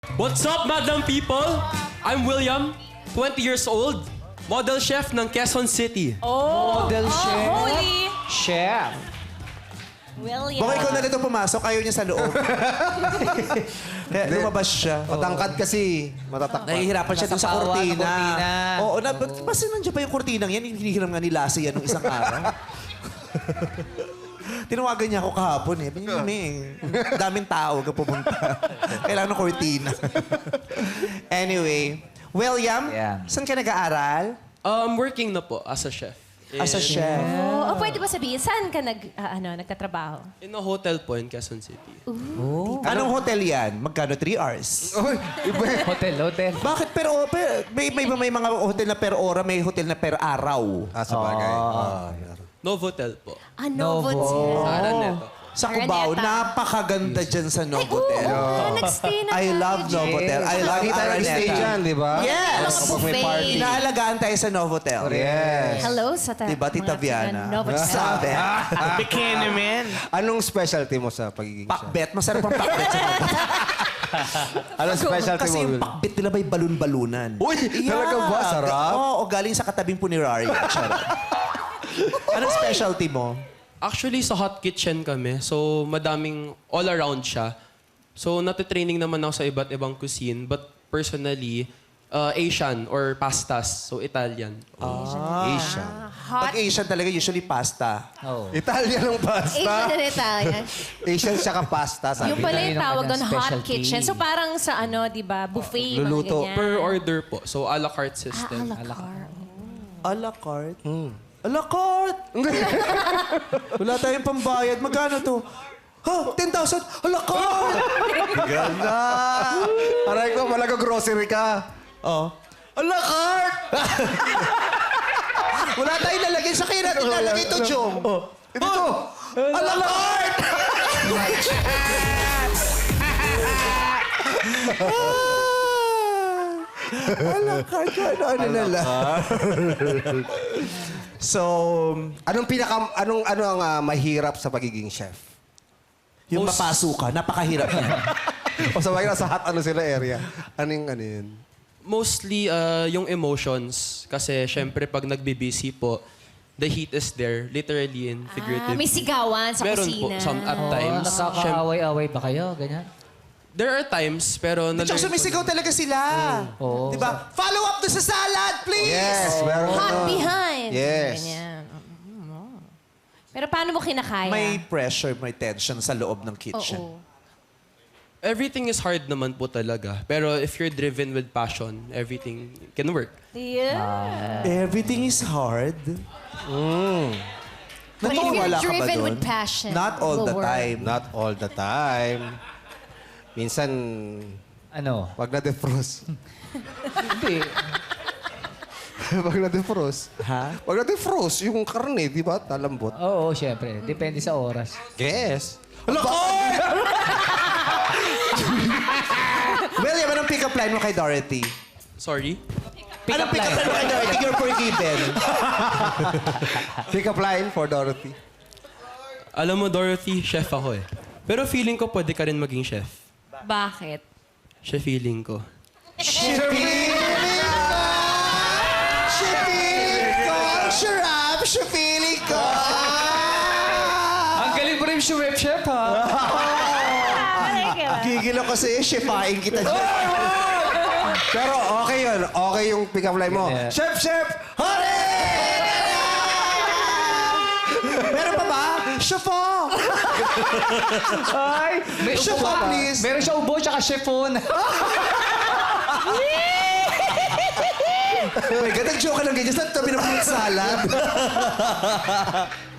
What's up, madam people? I'm William, 20 years old, model chef ng Quezon City. Model chef. Holy Chef. William. Baka ikaw na dito pumasok, ayaw niya sa loob. Kaya lumabas siya. Matangkad kasi. Matatakpan. Nahihirapan siya dun sa Nasapawan ng kurtina. kurtina. Oo, basta nandiyan pa yung kurtinang yan, hinihiram nga ni Lassie yan nung isang araw. Tinawagan niya ako kahapon eh. Daming tao ka pumunta. Kailangan ng kurtina. Anyway, William, Yeah. saan ka nag-aaral? Working na po as a chef. As a chef. Oh, pwede ba sabihin, saan ka nagtatrabaho? In a hotel po in Quezon City. Anong hotel yan? Magkano? 3 hours? Hotel. Bakit may mga hotel na per ora, may hotel na per araw. Ah, sa bagay. Novotel po. Novotel. Sa Araneta. Sa Cubao, Araneta. napakaganda dyan sa Novotel. Nag-stay na I tayo love dyan. Novotel. I love Lagi tayo nag-stay dyan, Araneta. di ba? Yes! Mga buffet. Inaalagaan tayo sa Novotel. Yes. Hello sa Diba, Tita Viana? Novotel. Sabi. Bikini man. Anong specialty mo sa pagiging chef? Pakbet. Masarap ang pakbet sa Novotel. Anong specialty Kasi mo? yung pakbet nila may balon-balunan. Uy, talaga ba? Sarap? Oo, galing sa katabing punerary. Charot. Anong specialty mo? Actually, sa hot kitchen kami. So, madaming all around siya. So, natitraining naman ako sa iba't ibang cuisine. But personally, Asian or pastas. So, Italian. Asian. Pag Asian talaga, usually pasta. Oh. Italian ang pasta. Asian and Italian. Asian siya ka pasta, sabi. Yung pala yung Yun ang tawag kanyang doon, hot specialty. kitchen. So parang sa di ba, buffet, Luluto. mga ganyan. Per order po. So, a la carte system. A la carte. A la carte? A la carte! Wala tayong pambayad. Magkano to? Ha? 10,000? A la carte! Ganda! Aray ko, malaga grocery ka. Oh. A la carte! Wala tayong lalagay sa kaya natin lalagay ito, Jom. Ito to. A la carte! A la carte. Ano na lang. So, Ano ang mahirap sa pagiging chef? yung mapaso ka, napakahirap niya. O sa bagay, sa hot sila area. Ano yun? Mostly, yung emotions. Kasi, syempre, pag nagbibisi po, the heat is there, literally and figuratively. May sigawan sa Meron kusina. po, at times. Nakakaaway-away ba kayo? Ganyan? There are times, pero... At saka sumisigaw talaga sila. Oo. Diba? Follow up to sa salad, please! Yes, meron. Hot behind. Yes. Ganyan. Pero paano mo kinakaya? May pressure, may tension sa loob ng kitchen. Oo. Everything is hard naman po talaga. Pero if you're driven with passion, everything can work. Yeah. Everything is hard. But if you're Naniniwala ka ba driven dun? with passion, Not all will the work. time. Not all the time. Minsan, Ano? wag na defrost. Hindi. Wag na defrost. Ha? Wag na defrost. Yung karne, di ba? Talambot. Oo, syempre. Depende sa oras. Yes. William, anong pick-up line mo kay Dorothy? Sorry? Anong pick-up line mo kay Dorothy? You're forgiven. Pick up line for Dorothy. Alam mo, Dorothy, chef ako eh. Pero feeling ko pwede ka rin maging chef. Bakit? Siya feeling ko. Feeling ko! Ang galing mo rin si Web Chef, ha? Gigil ako sa'yo, shefain kita dyan. Pero okay yun. Okay yung pick up line mo. Yeah. Chef, chef! Hore! Meron pa ba? Chefo! Ay! May Chef, ubo pa. please. Meron siya ubo tsaka chiffon. Oh my God, nag-joke ka lang ganyan. Saan tabi ng fruit salad?